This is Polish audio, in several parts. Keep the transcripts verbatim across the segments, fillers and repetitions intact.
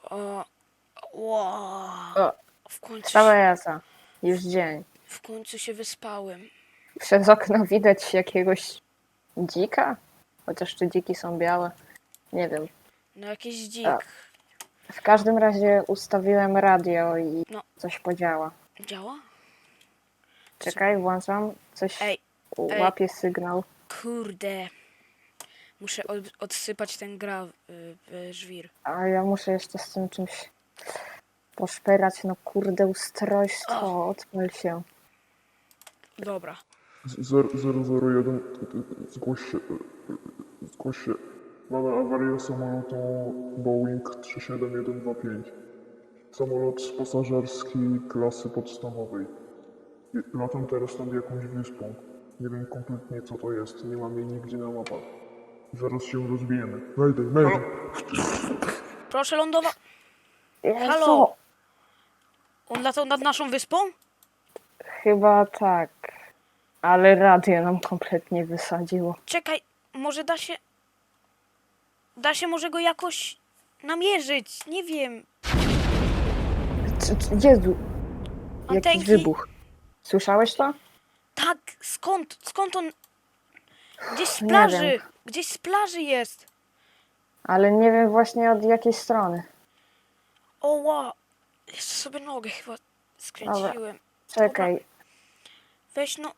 O, wow. O, W końcu, cała się, jasa. Już dzień. w końcu się wyspałem. Przez okno widać jakiegoś dzika? Chociaż czy dziki są białe? Nie wiem. No jakiś O, dzik. w każdym razie ustawiłem radio i No. coś podziała. Działa? Czekaj, włączam. Coś Ej, ej. łapie sygnał. Kurde. Muszę od, odsypać ten gra, y, y, żwir. A ja muszę jeszcze z tym czymś poszperać. No kurde, ustrojstwo. Odpal się. Dobra. zero zero jeden, zgłoś się, zgłoś się. Mamy awarię samolotu Boeing trzy siedem jeden dwa pięć. Samolot pasażerski klasy podstawowej. I latam teraz nad jakąś wyspą. Nie wiem kompletnie co to jest, nie mam jej nigdzie na mapach. Zaraz się rozbijemy. Mayday, mayday. Proszę lądować. Jezu, Halo? On latał nad naszą wyspą? chyba tak. Ale radio nam kompletnie wysadziło. Czekaj, może da się... Da się może go jakoś namierzyć, nie wiem. C- c- Jezu, jakiś Antenki? wybuch. Słyszałeś to? Tak, skąd? Skąd on? Gdzieś z Nie plaży. wiem. Gdzieś z plaży jest. Ale nie wiem właśnie od jakiej strony. O, wow. Jeszcze sobie nogę chyba skręciłem. Czekaj, Weź no.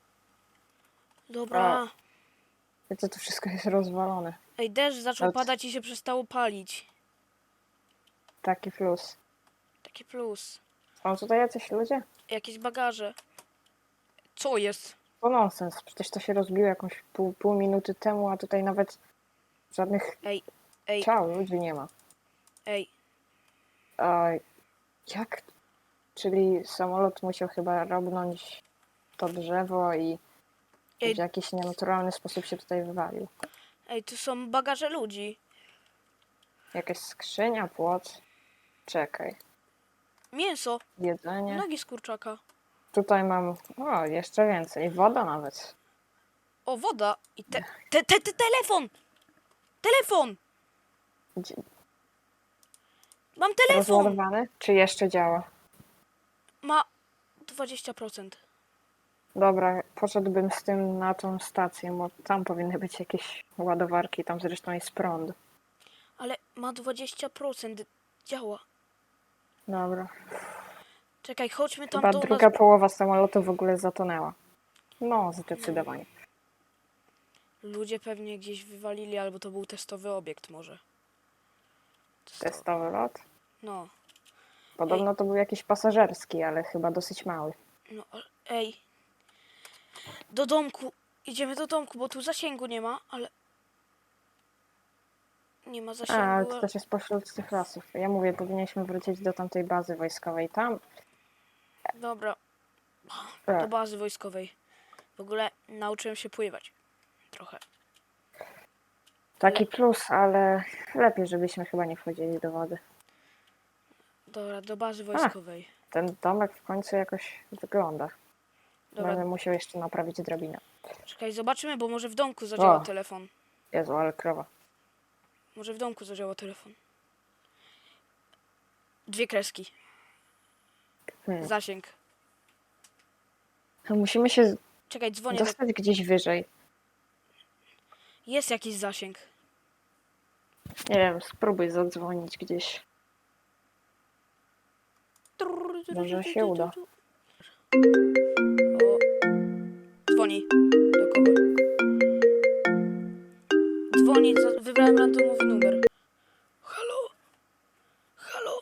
Dobra. to to wszystko jest rozwalone. Ej, deszcz zaczął Od- padać i się przestało palić. Taki plus. Taki plus. Są tutaj jacyś ludzie? Jakieś bagaże. Co jest? To nonsens, przecież to się rozbiło jakąś pół, pół minuty temu, a tutaj nawet żadnych Ej, ej, ciał ludzi nie ma. ej. A jak? Czyli samolot musiał chyba robnąć to drzewo i Ej. w jakiś nienaturalny sposób się tutaj wywalił. Ej, tu są bagaże ludzi. Jakaś skrzynia, płot. Czekaj. Mięso. Jedzenie. Nogi z kurczaka. Tutaj mam, o, jeszcze więcej. Woda nawet. O, woda. I te, te, te, te telefon. Telefon. Gdzie- Mam telefon. Rozładowany? Czy jeszcze działa? Ma dwadzieścia procent. Dobra, poszedłbym z tym na tą stację, bo tam powinny być jakieś ładowarki, tam zresztą jest prąd. Ale ma dwadzieścia procent. Działa. Dobra. Czekaj, chodźmy tam Chyba do druga nas. połowa samolotu w ogóle zatonęła. No, zdecydowanie. Ludzie pewnie gdzieś wywalili, albo to był testowy obiekt może. Testowy. Testowy lot. No, Podobno to był jakiś pasażerski, ale chyba dosyć mały. no, ale- ej. Do domku. Idziemy do domku, bo tu zasięgu nie ma, ale... Nie ma A, zasięgu. ale to ale- też jest pośród tych lasów. Ja mówię, powinniśmy wrócić do tamtej bazy wojskowej. Tam, Dobra, tak, do bazy wojskowej. W ogóle nauczyłem się pływać. Trochę. taki plus, ale lepiej, żebyśmy chyba nie wchodzili do wody. Dobra, do bazy wojskowej. Ten domek w końcu jakoś wygląda. Dobra, Będę musiał jeszcze naprawić drabinę. czekaj, zobaczymy, bo może w domku zadziała O. telefon. Jezu, ale krowa. Może w domku zadziała telefon. Dwie kreski. Hmm. Zasięg. Musimy się Czekaj, dzwonię. Do... dostać gdzieś wyżej. Jest jakiś zasięg. Nie wiem, spróbuj zadzwonić gdzieś. Może się uda. O. Dzwoni. Do kogo? Dzwoni, za- wybrałem randomowy numer.